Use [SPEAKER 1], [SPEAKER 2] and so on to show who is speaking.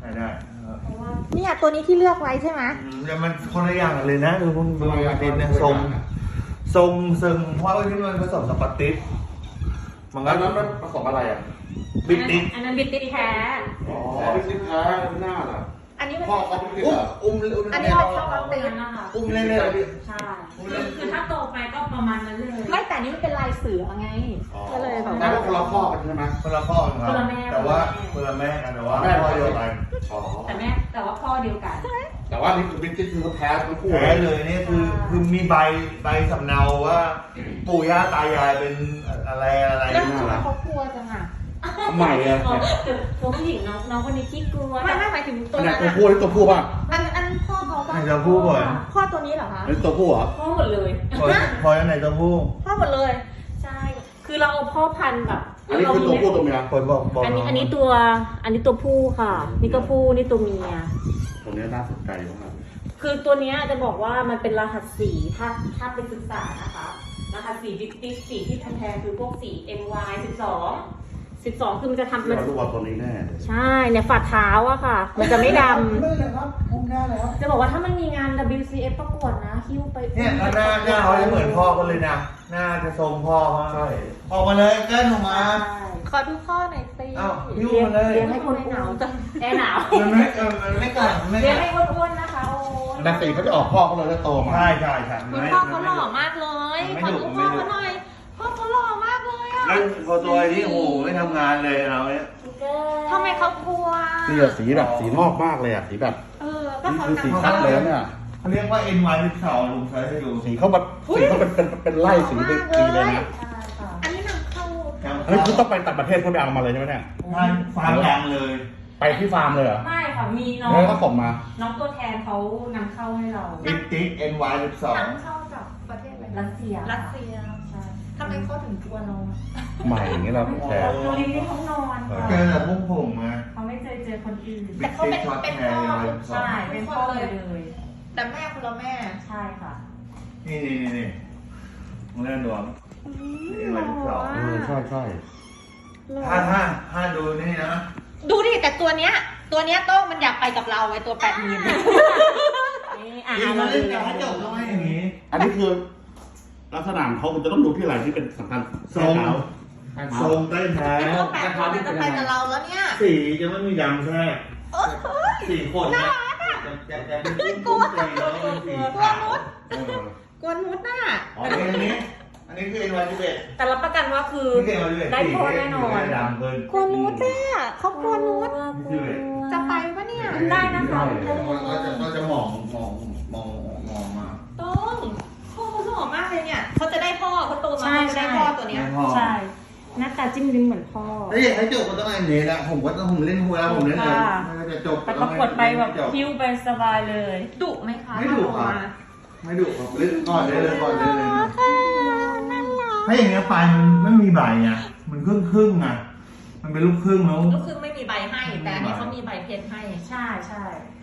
[SPEAKER 1] ได้
[SPEAKER 2] เนี่ยตัวนี้ที่เลือกไว้ใช่ไหม
[SPEAKER 1] แต่มันคนละอย่างเลยนะดูคุณดูดินเนี่ยทรงซึ่งเพราะว่าที่มันผสมสปาติสมันก็
[SPEAKER 3] มันผสมอะไรอ่ะ
[SPEAKER 1] บิดติส
[SPEAKER 2] อันนั้นบิดติสแท้
[SPEAKER 3] อ๋อบิดติสแท้ไม่น่าล่ะ
[SPEAKER 2] อันนี้มัน
[SPEAKER 3] พ่อเขาบิดติสเหรอ
[SPEAKER 2] อันนี้มันชอบติส
[SPEAKER 4] นะคะ
[SPEAKER 1] เล่น
[SPEAKER 4] ใช่คือถ้าโตไปก็ประมาณนั้นเลย
[SPEAKER 2] ไม่แต่นี่มันเป็นลายเสือไงก็เลยแบบ
[SPEAKER 3] แต่ว่าคนละพ่อกันใช่ไหม
[SPEAKER 1] คนละพ่อครับแต่ว่าคนละแม่กันแต่ว่าแม่พ่อเดียวกัน
[SPEAKER 4] แต่ว่าพ่อเดียวกัน
[SPEAKER 3] แต่ว่านี่คือบิดติสคือแท้ทั้งคู่
[SPEAKER 1] แท้เลยนี่คือมีใบสำเนาว่าปู่ย่าตายายเป็นอะไร
[SPEAKER 2] แล้วทำไมเขากลัวจังอ่ะ
[SPEAKER 3] ใหม่อะ
[SPEAKER 4] ตัวผู้หญิงน้องคนนี้ขี้กลัว
[SPEAKER 2] ไม่หมายถึงตัวนั้น
[SPEAKER 3] ตัวผู้หรือตัวผู้ป่ะ
[SPEAKER 2] อันพ่อเขาป่ะ
[SPEAKER 1] ตัวผู้ก่อน
[SPEAKER 2] พ่อตัวนี้เหรอคะ
[SPEAKER 3] เป็นตัวผู้เหรอ
[SPEAKER 4] พ่อหมดเลย
[SPEAKER 1] พอแล้วไหนตัวผู้
[SPEAKER 2] พ่อหมดเลย
[SPEAKER 4] ใช่คือเราเอาพ่อพันธุ์แบบ
[SPEAKER 3] อันนี้คือตัวผู้ตัวเมีย
[SPEAKER 1] คนบอก
[SPEAKER 4] อันนี้ตัวผู้ค่ะนี่ก็ผู้นี่ตัวเมีย
[SPEAKER 3] ตัวนี้น่าสนใจมาก
[SPEAKER 4] คือตัวนี้จะบอกว่ามันเป็นรหัสสีถ้าเป็นศึกษานะคะรหัสสีบิ๊กติ๊กสีที่แพงๆคือพวกสี MY 12คือมันจะทำ
[SPEAKER 3] มันรู้ว่าตัวนี้แน่
[SPEAKER 4] ใช่เนี่ยฝ่าเท้าอะค่ะมันจะไม่ดำ
[SPEAKER 1] ไม่เลยครับพุ่งได้แล้ว
[SPEAKER 4] จะบอกว่าถ้ามันมีงาน WCF ประกวดนะฮิ้วไป
[SPEAKER 1] เนี่ยหน้าเขาจะเหมือนพ่อกันเลยนะหน้าจะทรงพ่อมาก
[SPEAKER 3] ใช่
[SPEAKER 1] ออกมาเลยแก้หนูมา
[SPEAKER 2] ขอดูพ่อหน่อยสิ
[SPEAKER 1] อ้าวยิ้วมาเลย
[SPEAKER 4] เลี้ยงให้คนหนาวจะแอร์หนาว
[SPEAKER 1] มันไม่กัด
[SPEAKER 4] เลี้ยงให้อ้วนๆนะคะ
[SPEAKER 3] แต่สีเขาจะออกพ่อเขาเลยถ้าโตมา
[SPEAKER 1] ใช่
[SPEAKER 2] คุณพ่อเขาหล่อมากเลยขอดูพ่อเขาหน่อยพ่อเขาหล่อมากเลยอ่ะ
[SPEAKER 1] แล้วพอตัวนี้โอ้โหไม่ทำงานเลยเราเนี่ย
[SPEAKER 2] ทำไมเขากลัว
[SPEAKER 3] สีแบบสีนอกมากเลยอ่ะสีแบบ
[SPEAKER 2] ก็เขา
[SPEAKER 3] สีคัดเลยเนี่ย
[SPEAKER 1] เขาเรียกว่า NY12 ลุงใช้ให้ดู
[SPEAKER 3] สีเขาเป็นไล่สีเลยนะ
[SPEAKER 2] อันนี้นำเข้า
[SPEAKER 3] อันนี้คือต้องไปต่างประเทศเพื่อไปเอามาเลยใช่ไหมเนี่ย
[SPEAKER 1] ฟาร์มดังเลย
[SPEAKER 3] ไปที่ฟาร์มเลยเหรอ
[SPEAKER 4] ไม่ค่ะมีน้อง
[SPEAKER 3] เขาส่งมา
[SPEAKER 4] น้องตัวแทนเขานำเข้าให้เรา
[SPEAKER 1] บิ๊กติ๊ก NY12
[SPEAKER 2] นำเข้าจากประเทศอะไร
[SPEAKER 4] รัสเซีย
[SPEAKER 2] ใช่ทำไมเขาถึงกลัวเรา
[SPEAKER 3] ใหม่อย่างนี้เราแชร์
[SPEAKER 4] เราลิ้นที่เขานอน
[SPEAKER 1] เจอแต่พวกผมไง
[SPEAKER 4] เขาไม่เคยเจอคนอื่น
[SPEAKER 2] แต่เขาเป็นพ่อ
[SPEAKER 4] ใช่เป็นพ่อเลย
[SPEAKER 2] แต่แม่คุณละแม่
[SPEAKER 4] ใช่ค่ะ
[SPEAKER 1] นี่มึงเล่นดวงNY12
[SPEAKER 3] ใช่
[SPEAKER 1] ถ้าดูนี่นะ
[SPEAKER 2] ดูดิแต่ตัวเนี้ยโต้งมันอยากไปกับเราไอ้ตัว80,000
[SPEAKER 1] นี่มันเล่นแต่ให้จบทำไมอย่างนี้
[SPEAKER 3] อันนี้คือลักษณะเขาจะต้องดูที่อะไรที่เป็นสำคัญ
[SPEAKER 1] ทรงใต้เท้า
[SPEAKER 2] มันจะไปกับเราแล้วเนี่ย
[SPEAKER 1] สีจะไม่มีดำแค่สีขนนะจะเป็น
[SPEAKER 2] กลัวนุชน่ะ
[SPEAKER 1] อันนี้คือ NY11
[SPEAKER 4] แต่รับประกันว่าคือได้พ่อแน่นอน
[SPEAKER 2] กลัวนุชเนี่ยเขากลัวนุชจะไปปะเนี่ย
[SPEAKER 4] ได้นะคะ
[SPEAKER 1] ก็จะมองมา
[SPEAKER 2] ต้นพ่อเขาหล่อมากเลยเนี่ยเขาจะได้พ่อเขาโตมาจะได้พ่อตัวเนี้ย
[SPEAKER 4] ใช่หน้าตาจิ้มลิ้มเหมือนพ่อ
[SPEAKER 1] ให้จบก็ต้องเล่นนะผมเล่นหัวแล้วผมเล่นเลยจะจบ
[SPEAKER 4] ไปประกวดไปแบบคิวไปสบายเลย
[SPEAKER 2] ดุไหมคะ
[SPEAKER 1] ไม่ดุครับเล่นก่อนเลยถ้าอย่างเงี้ยปลายมันไม่มีใบไงมันครึ่งไงมันเป็นลูกครึ่งแล้ว
[SPEAKER 2] ลูกครึ่งไม่มีใบให้แต่อันนี้เขามีใบเพชรให้
[SPEAKER 4] ใช่